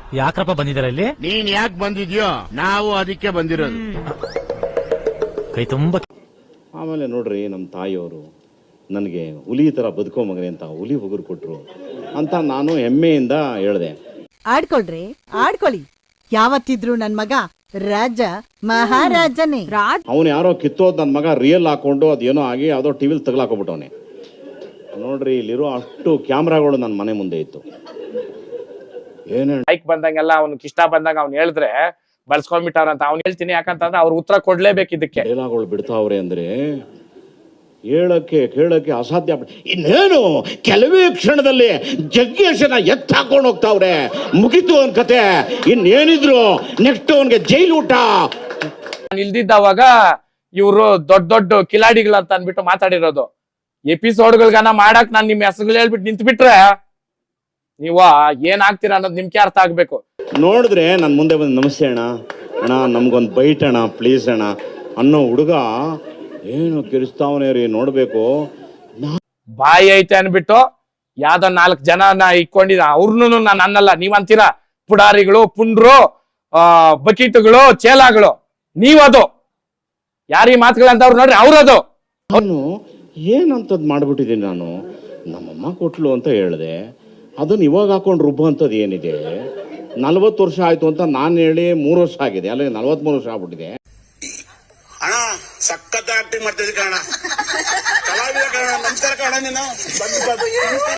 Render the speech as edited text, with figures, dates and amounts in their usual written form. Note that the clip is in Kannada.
ಯಾಕ್ರಪ್ಪ ಬಂದಿದಾರ ಇಲ್ಲಿ? ನೀನ್ ಯಾಕೆ ಬಂದಿದ್ಯೋ ನಾವು ಅದಕ್ಕೆ ಬಂದಿರೋದು. ಕೈ ತುಂಬ. ಆಮೇಲೆ ನೋಡ್ರಿ, ನಮ್ಮ ತಾಯಿಯವರು ನನಗೆ ಹುಲಿ ಥರ ಬದುಕೋ ಮಗನೇ ಅಂತ ಹುಲಿ ಉಗುರು ಕೊಟ್ಟರು ಅಂತ ನಾನು ಹೆಮ್ಮೆಯಿಂದ ಹೇಳಿದೆ. ಆಡ್ಕೊಳ್ರಿ, ಆಡ್ಕೊಳ್ಳಿ. ಯಾವತ್ತಿದ್ರು ನನ್ ಮಗ ರಾಜ ಮಹಾರಾಜನೇ. ಅವನು ಯಾರೋ ಕಿತ್ತೋದ್ ನನ್ನ ಮಗ ರಿಯಲ್ ಹಾಕೊಂಡು ಅದೇನೋ ಆಗಿ ಯಾವುದೋ ಟಿವಿಲಿ ತಗಲಾಕೊಬಿಟ್ಟವನೆ. ನೋಡ್ರಿ, ಇಲ್ಲಿರೋ ಅಷ್ಟು ಕ್ಯಾಮ್ರಾಗಳು ನನ್ನ ಮನೆ ಮುಂದೆ ಇತ್ತು. ಬೈಕ್ ಬಂದಂಗೆಲ್ಲ ಅವ್ನಿಗೆ ಇಷ್ಟ ಬಂದಾಗ ಅವ್ನು ಹೇಳಿದ್ರೆ ಬಳಸ್ಕೊಂಡ್ಬಿಟ್ಟವ್ರಂತ ಅವ್ನು ಹೇಳ್ತೀನಿ. ಯಾಕಂತಂದ್ರೆ ಅವ್ರು ಉತ್ತರ ಕೊಡ್ಲೇಬೇಕು ಇದಕ್ಕೆ. ಡೈಲಾಗ್ಗಳು ಬಿಡ್ತಾವ್ರೆ ಅಂದ್ರೆ ಕೇಳಕ್ಕೆ ಅಸಾಧ್ಯ. ಇನ್ನೇನು ಕೆಲವೇ ಕ್ಷಣದಲ್ಲಿ ಜಗ್ಗೇಶನ ಎತ್ತ ಹಾಕೊಂಡು ಹೋಗ್ತಾವ್ರೆ. ಮುಗಿತು ಅವನ್ ಕತೆ. ಇನ್ನೇನಿದ್ರು ನೆಕ್ಸ್ಟ್ ಅವನ್ಗೆ ಜೈಲು ಊಟ. ಇಲ್ದಿದ್ದವಾಗ ಇವ್ರು ದೊಡ್ಡ ದೊಡ್ಡ ಕಿಲಾಡಿಗಳಂತ ಅನ್ಬಿಟ್ಟು ಮಾತಾಡಿರೋದು. ಎಪಿಸೋಡ್ಗಳ್ಗನ ಮಾಡಕ್ ನಾನ್ ನಿಮ್ ಹೆಸರುಗಳು ಹೇಳ್ಬಿಟ್ಟು ನಿಂತ್ ಬಿಟ್ರೆ ನೀವ ಏನ್ ಆಗ್ತೀರಾ ಅನ್ನೋದು ನಿಮ್ಗೆ ಅರ್ಥ ಆಗ್ಬೇಕು. ನೋಡಿದ್ರೆ ನನ್ ಮುಂದೆ ಬಂದು ನಮಸ್ತೆ ಅಣ್ಣ, ಅಣ್ಣ ನಮ್ಗೊಂದು ಬೈಟ್ ಅಣ್ಣ ಪ್ಲೀಸ್ ಅಣ್ಣ ಅನ್ನೋ ಹುಡುಗ ಏನು ಕಿರಿಸ್ತಾವನೇ ರೀ. ನೋಡ್ಬೇಕು, ಬಾಯಿ ಐತೆ ಅನ್ಬಿಟ್ಟು ಯಾವ್ದೋ 4 ಜನನ ಇಟ್ಕೊಂಡಿದ. ಅವ್ರನ್ನು ನಾನು ಅನ್ನಲ್ಲ, ನೀವ್ ಅಂತೀರಾ ಪುಡಾರಿಗಳು, ಪುಂಡ್ರು, ಬಕೀಟುಗಳು, ಚೇಲಾಗಳು. ನೀವದು ಯಾರೀ ಮಾತುಗಳಂತವ್ರು ನೋಡ್ರಿ, ಅವ್ರದು. ಅವನು ಏನಂತದ್ ಮಾಡ್ಬಿಟ್ಟಿದ್ದೀನಿ ನಾನು. ನಮ್ಮಮ್ಮ ಕೊಟ್ಲು ಅಂತ ಹೇಳಿದೆ. ಅದನ್ನ ಇವಾಗ ಹಾಕೊಂಡು ರುಬ್ಬ ಅಂತದ್ ಏನಿದೆ? 40 ವರ್ಷ ಆಯ್ತು ಅಂತ ನಾನು ಹೇಳಿ 3 ವರ್ಷ ಆಗಿದೆ, ಅಲ್ಲ 43 ವರ್ಷ ಆಗ್ಬಿಟ್ಟಿದೆ. ಅಣ್ಣ ಸಖತ್ ಆಕ್ಟಿಂಗ್ ಮಾಡ್ತಿದ್ದೆ ಕಣ, ಕಲಾವಿದ ಕಣ. ನಮಸ್ಕಾರ ಕಣ. ನೀನು